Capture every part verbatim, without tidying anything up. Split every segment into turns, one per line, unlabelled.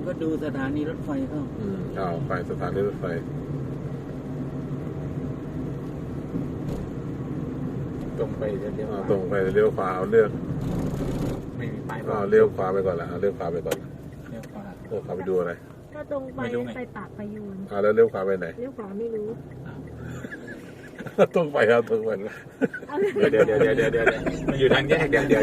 ก็ดูสถานีรถไฟเข้า
อืมเอาไปสถานีรถไฟ
ตรงไปเลี้ยว
ตรงไปเลี้ยวขวาเอาเลือก
ไม่มีป้ายบอ
อ่าก เลี้ยวขวาไปก่อนละเลี้ยวขวาไปก่อนเลี้ยวขวาเลี้ยวขวาไปดูอะไร
ถ้าตรงไปไปปากพยูน
อ่าแล้วเลี้ยวขวาไปไหน
เลี้ยวขวาไม่รู้
ตรงไปครับตรงไป
เดี๋ยวเดี๋ยวเดี๋ยวเดี๋ยวเดี๋ยวมันอยู่ทางแยกเดี๋ยวเดี๋ยว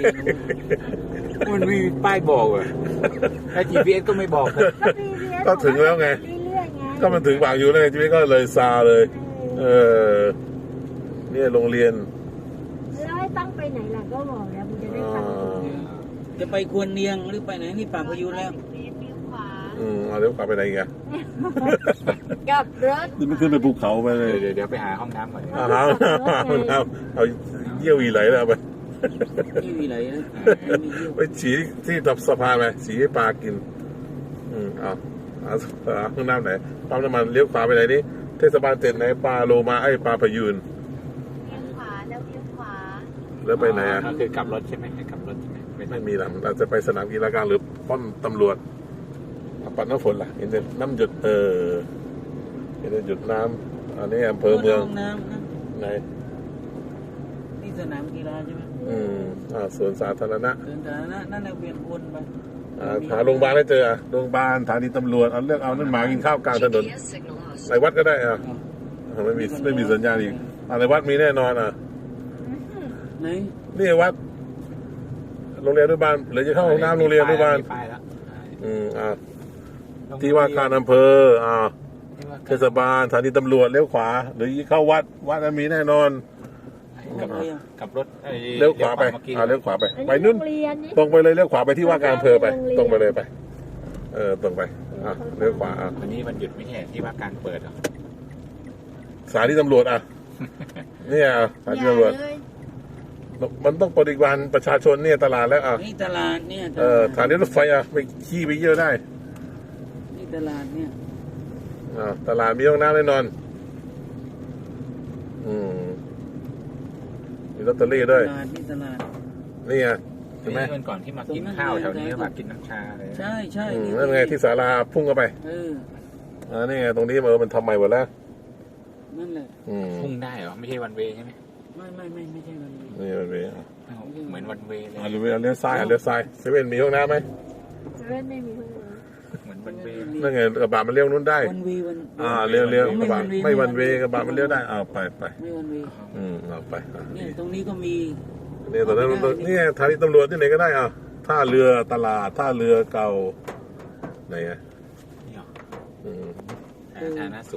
มันไม่มีป้ายบอกอ่ะแล้ว จี พี เอส ก็ไม่บอกเลย
ก็ถึงแล้วไงก็มันถึงปากอยู่เลยจีพีก็เลยซาเลยเออเนี่ยโรงเรียน
แล้วให้ตั้งไปไหนล่ะก็บอกแล้วมันจะได้ฟัง
จะไปควรเนียงหรือไปไหนนี่ปากพยูนแล้ว
อืมเอาเลี้ยวขวาไปไหนอีกอะ
กับรถ
นี่มันขึ้นไปภูเขาไปเลย
เดี๋ยวเดี๋ยวไปหาห้องน้ำก่อน
เอาเอาเอาเอาเยี่ยวอีไหลแล้วไป
เยี่ยวอีไหลนะ
ไปฉีที่ตับสะพานไปฉีให้ปลากินอืมเอาเอาห้องน้ำไหนปั๊มน้ำมันเลี้ยวขวาไปไหนนี่เทศบาลเจ็ดไหนปลาโลมาไอ้ปลาพยูน
เลี้ยวขวาแล้วเลี้ยวขวา
แล้วไปไหนอ่ะ
ก็คือกลับรถใช่ไหมให้กลับรถใช่ไหม
ไม่มีหรอกเราจะไปสนามกีฬากลางหรือป้อมตำรวจปัดน้ำฝนล่ะเห็นแต่น้ำหยดเออเห็นแต่หยดน้ำอันนี้อำเภอเมือง
น้ำนะ
ไหน
นี่สนามกีฬาใช่ไหม
อืมอ่าสวนสาธารณะ
สวนสาธารณะนั่นแหละเวียนวนไป
อ่าหาโรงพยาบาลได้เจอโรงพยาบาลสถานีตำรวจเอาเลือกเอานั่นหมากินข้าวกลางถนนในวัดก็ได้อ่ะไม่มีไม่มีสัญญาณอีกอะไรวัดมีแน่นอนอ่ะ
ไหน
นี่วัดโรงเรียนอนุบาลหรือจะเข้าห้องน้ำโรงเรียนอนุบาลอืมอ่าที่ว่าการอำเภออ่าเทศบาลสถานีตำรวจเลี้ยวขวาหรือเข้าวัดวัดมีแน่นอน
กับรถ
เลี้ยวขวาไปอ่าเลี้ยวขวาไปไปนู่นตรงไปเลยเลี้ยวขวาไปที่ว่าการอำเภอไปตรงไปเลยไปเออตรงไปอ่าเลี้ยวขวาอ่ะ
วันนี้วันหยุดไม่ใช่ที่ว่าการเปิดอ่ะ
สถานีตำรวจอ่ะเนี่ยสถานีตำรวจมันต้องบริการประชาชนเนี่ยตลาดแล้วอ่ะ
นี่ตลาดเนี่ย
เออสถานีรถไฟอ่ะไปขี่ไปเยอะได้
นี่ตลาดเนี่ย
อ่าตลาดมีห้องน้ำแน่นอนอืมมีลอตเตอรี่ด้วย
ตลาดนี่ตลาด
นี่ไงใช่ไหม
เมื่อก่อนที่มากินข้าวแถวนี้มากินน้ำชาเลย
ใช่ใช่
นั่นไงที่ศาลาพุ่งเข้าไป
เออ
อ่านี่ไงตรงนี้เออมันทำใหม่หมดแล้ว
นั่นแหละ
พุ่งได้เหรอไม่ใช่วันเวย์ใช่ไหม
ไม่ไม่ไม่ไม่ใช่วันเวย์
นี่วันเวย์
เหมือนวันเวย์เลย
อ่าเลี้ยวเลี้ยวซ้ายอ่ะเลี้ยวซ้ายเซเว่นมีห้องน้ำไหม
เซเว่นไม่มีห้องน้
ำเหมือนวันเวย์
นั่นไงกระบะมันเลี้ยวนู้นได้
วันเวย์วัน
อ่าเลี้ยวเลี้ยวกระบะไม่วันเวย์กระบะมันเลี้ยวได้เอาไปไป
ไม่วันเวย์
อืมเอาไป
เนี่ยตรงนี้ก็มี
เนี่ยตอนนั้นนี่สถานีตำรวจที่ไหนก็ได้อ่ะท่าเรือตลาดท่าเรือเก่าไหนอ่ะ
นี่หรออืมฐานะ